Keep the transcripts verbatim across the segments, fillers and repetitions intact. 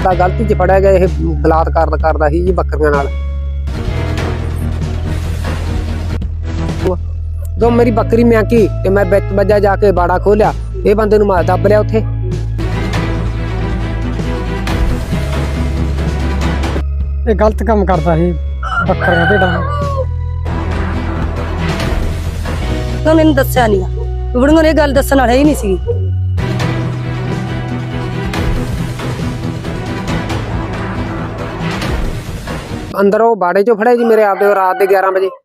ਬੰਦਾ ਗਲਤੀ 'ਚ ਫੜਿਆ ਗਿਆ। ਇਹ ਬਲਾਤਕਾਰ ਕਰਦਾ ਸੀ ਜੀ ਬੱਕਰੀਆਂ ਨਾਲ। ਜਦੋਂ ਮੇਰੀ ਬੱਕਰੀ ਮਿਆਂਕੀ ਤੇ ਮੈਂ ਵਿੱਚ ਵੱਜਾ ਜਾ ਕੇ ਬਾੜਾ ਖੋਲਿਆ, ਇਹ ਬੰਦੇ ਨੂੰ ਮੈਂ ਦੱਬ ਲਿਆ ਉੱਥੇ। ਇਹ ਗਲਤ ਕੰਮ ਕਰਦਾ ਸੀ ਬੱਕਰੀਆਂ ਭੇਡਾਂ ਨੂੰ। ਮੈਨੂੰ ਦੱਸਿਆ ਨਹੀਂ ਆ, ਬੁੜੀਆਂ ਨੇ ਇਹ ਗੱਲ ਦੱਸਣ ਵਾਲਾ ਹੀ ਨਹੀਂ ਸੀ। ਅੰਦਰ ਉਹ ਬਾੜੇ ਚੋਂ ਫੜਿਆ ਜੀ ਮੇਰੇ ਆਪਦੇ ਰਾਤ ਦੇ ਗਿਆਰਾਂ ਵਜੇ।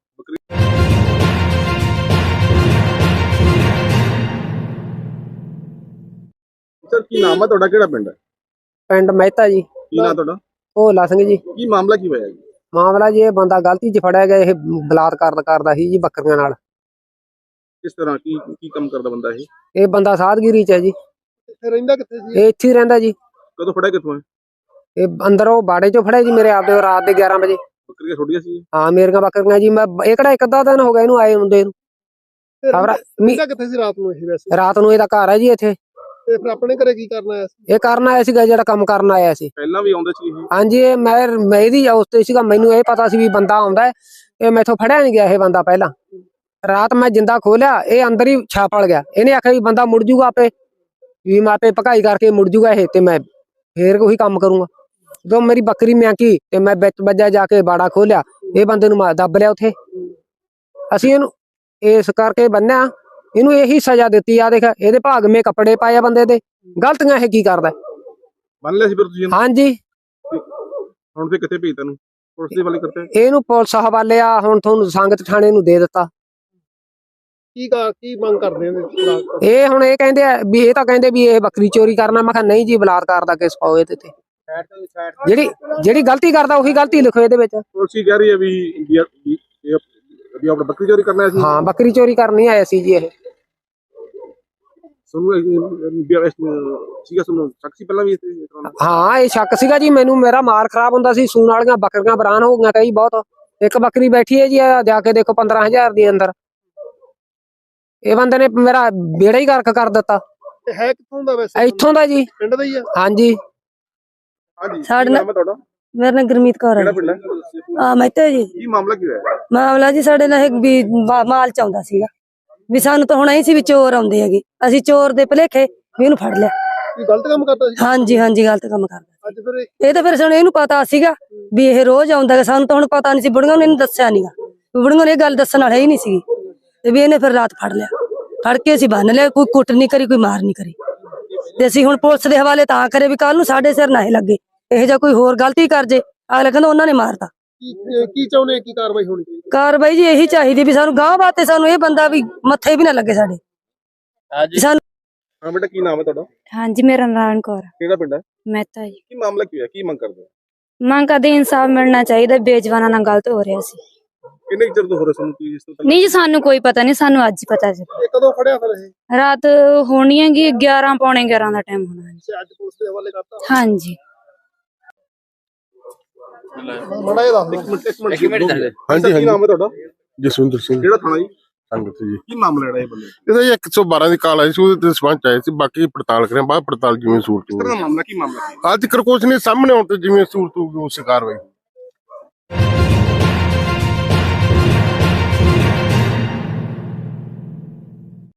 ਸਰ ਕੀ ਨਾਮ ਹੈ ਤੁਹਾਡਾ, ਕਿਹੜਾ ਪਿੰਡ ਹੈ? ਪਿੰਡ ਮਹਿਤਾ ਜੀ। ਕੀ ਨਾਮ ਤੁਹਾਡਾ? ਭੋਲਾ ਸਿੰਘ ਜੀ। ਕੀ ਮਾਮਲਾ ਕੀ ਹੋਇਆ ਜੀ? ਮਾਮਲਾ ਜੀ ਇਹ ਬੰਦਾ ਗਲਤੀ 'ਚ ਫੜਿਆ ਗਿਆ। ਇਹ ਬਲਾਤਕਾਰ ਕਰਦਾ ਸੀ ਜੀ ਬੱਕਰੀਆਂ ਨਾਲ। ਕਿਸ ਤਰ੍ਹਾਂ ਕੀ ਕੀ ਕੰਮ ਕਰਦਾ ਬੰਦਾ ਇਹ? ਇਹ ਬੰਦਾ ਸਾਧਗਿਰੀ 'ਚ ਹੈ ਜੀ। ਇੱਥੇ ਰਹਿੰਦਾ ਕਿੱਥੇ ਸੀ? ਇਹ ਇੱਥੇ ਹੀ ਰਹਿੰਦਾ ਜੀ। ਕਦੋਂ ਫੜਿਆ, ਕਿੱਥੋਂ ਹੈ? ਇਹ ਅੰਦਰ ਉਹ ਬਾੜੇ ਚੋਂ ਫੜਿਆ ਜੀ ਮੇਰੇ ਆਪਦੇ ਰਾਤ ਦੇ ਗਿਆਰਾਂ ਵਜੇ। ਬੱਕਰੀਆਂ ਛੋੜੀਆਂ ਸੀ? ਹਾਂ ਮੇਰੀਆਂ ਬੱਕਰੀਆਂ ਜੀ। ਮੈਂ ਇਹ ਕਿਹੜਾ ਇੱਕ ਅੱਧਾ ਦਿਨ ਹੋ ਗਿਆ ਇਹਨੂੰ ਆਏ ਹੁੰਦੇ ਨੂੰ। ਕਿੱਥੇ ਸੀ ਰਾਤ ਨੂੰ ਇਹ? ਵੈਸੇ ਰਾਤ ਨੂੰ ਇਹਦਾ ਘਰ ਹੈ ਜੀ ਇੱਥੇ। ਤੇ ਫਿਰ ਆਪਣੇ ਘਰੇ ਕੀ ਕਰਨ ਆਇਆ ਸੀ? ਇਹ ਕਰਨ ਆਇਆ ਸੀਗਾ, ਜਿਹੜਾ ਕੰਮ ਕਰਨ ਆਇਆ ਸੀ। ਪਹਿਲਾਂ ਵੀ ਆਉਂਦੇ ਸੀ ਇਹ? ਹਾਂਜੀ, ਇਹ ਮੈਂ ਮੈਂ ਇਹਦੀ ਉਸਤੇ ਸੀਗਾ। ਮੈਨੂੰ ਇਹ ਪਤਾ ਸੀ ਵੀ ਬੰਦਾ ਆਉਂਦਾ ਹੈ। ਇਹ ਮੈਥੋਂ ਫੜਿਆ ਨਹੀਂ ਗਿਆ ਇਹ ਬੰਦਾ। ਪਹਿਲਾਂ ਰਾਤ ਮੈਂ ਜਿੰਦਾ ਖੋਲਿਆ, ਇਹ ਅੰਦਰ ਹੀ ਛਾਪੜ ਗਿਆ। ਇਹਨੇ ਆਖਿਆ ਵੀ ਬੰਦਾ ਮੁੜ ਜੂਗਾ ਆਪੇ, ਵੀ ਮੈਂ ਆਪੇ ਭਕਾਈ ਕਰਕੇ ਮੁੜ ਜੂਗਾ ਇਹ, ਤੇ ਮੈਂ ਫੇਰ ਉਹੀ ਕੰਮ ਕਰੂੰਗਾ। ਜਦੋਂ ਮੇਰੀ ਬੱਕਰੀ ਮਿਆਂਕੀ ਤੇ ਮੈਂ ਵਿੱਚ ਵੱਜਾ ਜਾ ਕੇ ਬਾੜਾ ਖੋਲਿਆ, ਇਹ ਬੰਦੇ ਨੂੰ ਮੈਂ ਦੱਬ ਲਿਆ ਉੱਥੇ। ਅਸੀਂ ਇਹਨੂੰ ਇਸ ਕਰਕੇ ਬੰਨਿਆ, ਇਹਨੂੰ ਇਹੀ ਸਜ਼ਾ ਦਿੱਤੀ ਆ। ਦੇਖ ਇਹਦੇ ਭਾਗਵੇਂ ਕੱਪੜੇ ਪਾਏ ਆ ਬੰਦੇ ਦੇ। ਗਲਤੀਆਂ ਇਹ ਕੀ ਕਰਦਾ? ਬੰਨ ਲਿਆ ਸੀ ਫਿਰ ਤੁਸੀਂ? ਹਾਂਜੀ। ਹੁਣ ਤੇ ਕਿੱਥੇ ਭੇਜ ਤੈਨੂੰ? ਪੁਲਿਸ ਦੇ ਵਾਲੇ ਕਰਤੇ? ਇਹਨੂੰ ਪੁਲਿਸ ਹਵਾਲੇ ਆ। ਹੁਣ ਤੁਹਾਨੂੰ ਸੰਗਤ ਥਾਣੇ ਨੂੰ ਦੇ ਦਿੱਤਾ। ਕੀ ਕੀ ਮੰਗ ਕਰਦੇ ਨੇ ਇਹ? ਹੁਣ ਇਹ ਕਹਿੰਦੇ ਆ ਵੀ ਇਹ ਤਾਂ ਕਹਿੰਦੇ ਵੀ ਇਹ ਬੱਕਰੀ ਚੋਰੀ ਕਰਨਾ। ਮੈਂ ਕਿਹਾ ਨਹੀਂ ਜੀ, ਬਲਾਤਕਾਰ ਦਾ ਕੇਸ ਪਾਓ ਇਹਦੇ ਤੇ। ਜਿਹੜੀ ਜਿਹੜੀ ਗਲਤੀ ਕਰਦਾ ਉਹੀ ਗਲਤੀ ਲਿਖੋ ਇਹਦੇ ਵਿੱਚ। ਪੁਲਿਸ ਕਹਿ ਰਹੀ ਹੈ ਵੀ ਵੀ ਆਪਣਾ ਬੱਕਰੀ ਚੋਰੀ ਕਰਨਾ ਸੀ। ਹਾਂ, ਬੱਕਰੀ ਚੋਰੀ ਕਰਨੀ ਆਇਆ ਸੀ ਜੀ ਇਹ। ਸੀਗਾ ਤੁਹਾਨੂੰ ਸ਼ੱਕ ਸੀ ਪਹਿਲਾਂ ਵੀ? ਹਾਂ, ਇਹ ਸ਼ੱਕ ਸੀਗਾ ਜੀ ਮੈਨੂੰ। ਮੇਰਾ ਮਾਲ ਖਰਾਬ ਹੁੰਦਾ ਸੀ। ਸੂਣ ਵਾਲੀਆਂ ਬੱਕਰੀਆਂ ਬਰਾਨ ਹੋ ਗਈਆਂ ਕਈ ਬਹੁਤ। ਇੱਕ ਬੱਕਰੀ ਬੈਠੀ ਹੈ ਜੀ, ਜਾ ਕੇ ਦੇਖੋ ਪੰਦਰਾਂ ਹਜ਼ਾਰ ਦੀ ਅੰਦਰ। ਇਹ ਬੰਦੇ ਨੇ ਮੇਰਾ ਬੇੜਾ ਹੀ ਗਰਕ ਕਰ ਦਿੱਤਾ। ਹੈ ਕਿੱਥੋਂ ਦਾ ਵੈਸੇ? ਇੱਥੋਂ ਦਾ ਜੀ। ਪਿੰਡ ਦਾ ਹੀ ਆ? ਹਾਂਜੀ। ਹਾਂਜੀ, ਸਾਡੇ ਨਾਮ ਹੈ ਤੁਹਾਡਾ? ਮੇਰਾ ਨਾਮ ਗੁਰਮੀਤ ਕੌਰ ਹੈ। ਕਿਹੜਾ ਪਿੰਡ ਹੈ? ਆ ਮਹਿਤਾ ਜੀ। ਕੀ ਮਾਮਲਾ ਕੀ ਹੋਇਆ? ਮਾਮਲਾ ਜੀ ਸਾਡੇ ਨਾਲ ਇੱਕ ਵੀ ਮਾਲ ਚ ਆਉਂਦਾ ਸੀਗਾ, ਵੀ ਸਾਨੂੰ ਤਾਂ ਹੁਣ ਐ ਸੀ ਵੀ ਚੋਰ ਆਉਂਦੇ ਹੈਗੇ। ਅਸੀਂ ਚੋਰ ਦੇ ਭਲੇਖੇ ਵੀ ਇਹਨੂੰ ਫੜ ਲਿਆ। ਕੀ ਗਲਤ ਕੰਮ ਕਰਦਾ ਸੀ? ਹਾਂਜੀ ਹਾਂਜੀ, ਗਲਤ ਕੰਮ ਕਰਦਾ। ਅੱਜ ਫਿਰ ਇਹ ਤਾਂ ਫਿਰ ਸਾਨੂੰ ਇਹਨੂੰ ਪਤਾ ਸੀਗਾ ਵੀ ਇਹ ਰੋਜ਼ ਆਉਂਦਾ ਹੈ। ਸਾਨੂੰ ਤਾਂ ਹੁਣ ਪਤਾ ਨਹੀਂ ਸੀ। ਬੁੜੀਆਂ ਨੇ ਇਹਨੂੰ ਦੱਸਿਆ ਨੀਗਾ। ਬੁੜੀਆਂ ਨੇ ਇਹ ਗੱਲ ਦੱਸਣ ਵਾਲਾ ਹੀ ਨਹੀਂ ਸੀ। ਤੇ ਵੀ ਇਹਨੇ ਫਿਰ ਰਾਤ ਫੜ ਲਿਆ। ਫੜ ਕੇ ਅਸੀਂ ਬੰਨ ਲਿਆ। ਕੋਈ ਕੁੱਟ ਨਹੀਂ ਕਰੀ, ਕੋਈ ਮਾਰ ਨਹੀਂ ਕਰੀ। ਤੇ ਅਸੀਂ ਹੁਣ ਪੁਲਿਸ ਦੇ ਹਵਾਲੇ ਤਾਂ ਕਰੇ ਵੀ ਕੱਲ ਨੂੰ ਸਾਡੇ ਸਿਰ ਨਾ ਲੱਗੇ। ਇਹੋ ਜਿਹਾ ਕੋਈ ਹੋਰ ਗਲਤੀ ਕਰ ਜੇ, ਅਗਲਾ ਕਹਿੰਦਾ ਉਹਨਾਂ ਨੇ ਮਾਰਤਾ। ਕੀ ਚਾਹੁੰਦੇ? ਕੀ ਕਾਰਵਾਈ ਹੋਣੀ ਚਾਹੀਦੀ? ਕਾਰਵਾਈ ਜੀ ਇਹੀ ਚਾਹੀਦੀ ਵੀ ਸਾਨੂੰ ਗਾਂਹ ਬਾਤੇ ਸਾਨੂੰ ਇਹ ਬੰਦਾ ਵੀ ਮੱਥੇ ਵੀ ਨਾ ਲੱਗੇ ਸਾਡੇ। ਸਾਨੂੰ ਹਾਂ ਬੇਟਾ, ਕੀ ਨਾਮ ਹੈ ਤੁਹਾਡਾ? ਹਾਂਜੀ, ਮੇਰਾ ਨਾਰਾਇਣ ਕੌਰ। ਕਿਹੜਾ ਪਿੰਡ ਹੈ? ਮਹਿਤਾ ਜੀ। ਕੀ ਮਾਮਲਾ ਕੀ ਹੋਇਆ? ਕੀ ਮੰਗ ਕਰਦੇ ਹੋ? ਮੰਗ ਕਰਦੇ ਇਨਸਾਫ ਮਿਲਣਾ ਚਾਹੀਦਾ। ਬੇਜਵਾਨਾਂ ਨਾਲ ਗਲਤ ਹੋ ਰਿਹਾ ਸੀ। ਕਿੰਨੇ ਚਿਰ ਤੋਂ ਹੋ ਰਿਹਾ ਸਾਨੂੰ ਕੀ ਇਸ ਤੋਂ? ਨਹੀਂ ਜੀ, ਸਾਨੂੰ ਕੋਈ ਪਤਾ ਨਹੀਂ, ਸਾਨੂੰ ਅੱਜ ਹੀ ਪਤਾ ਜੀ। ਇਹ ਕਦੋਂ ਫੜਿਆ ਫਿਰ ਇਹ? ਰਾਤ ਹੋਣੀ ਹੈਗੀ ਗਿਆਰਾਂ ਪੌਣੇ ਗਿਆਰਾਂ ਦਾ ਟਾਈਮ ਹੋਣਾ ਜੀ। ਅੱਜ ਪੁਲਿਸ ਦੇ ਹਵਾਲੇ ਕਰਤਾ? ਹਾਂਜੀ। ਮੜਾ ਇਹ ਦੱਸ ਇੱਕ ਮਿੰਟ ਇੱਕ ਮਿੰਟ ਹਾਂਜੀ। ਕੀ ਨਾਮ ਹੈ ਤੁਹਾਡਾ? ਜਸਵਿੰਦਰ ਸਿੰਘ। ਕਿਹੜਾ ਥਾਣਾ ਜੀ? ਸੰਗਤ ਜੀ। ਕੀ ਮਾਮਲਾ ਜਿਹੜਾ ਇਹ ਬੰਦੇ? ਇਹਦਾ ਜੀ ਇੱਕ ਸੌ ਬਾਰਾਂ ਦੀ ਕਾਲ ਆਈ ਸੀ, ਉਹਦੇ ਤੇ ਸਪੰਚ ਆਏ ਸੀ। ਬਾਕੀ ਪੜਤਾਲ ਕਰਿਆ, ਬਾਅਦ ਪੜਤਾਲ ਜਿਵੇਂ ਸੂਰਤ ਕਿਸ ਤਰ੍ਹਾਂ ਦਾ ਮਾਮਲਾ? ਕੀ ਮਾਮਲਾ? ਅੱਜ ਕੁਛ ਨਹੀਂ ਸਾਹਮਣੇ ਆਉਣ ਤੇ ਜਿਵੇਂ ਸੂਰਤ ਹੋਊਗੀ ਉਸ ਕਾਰਵਾਈ।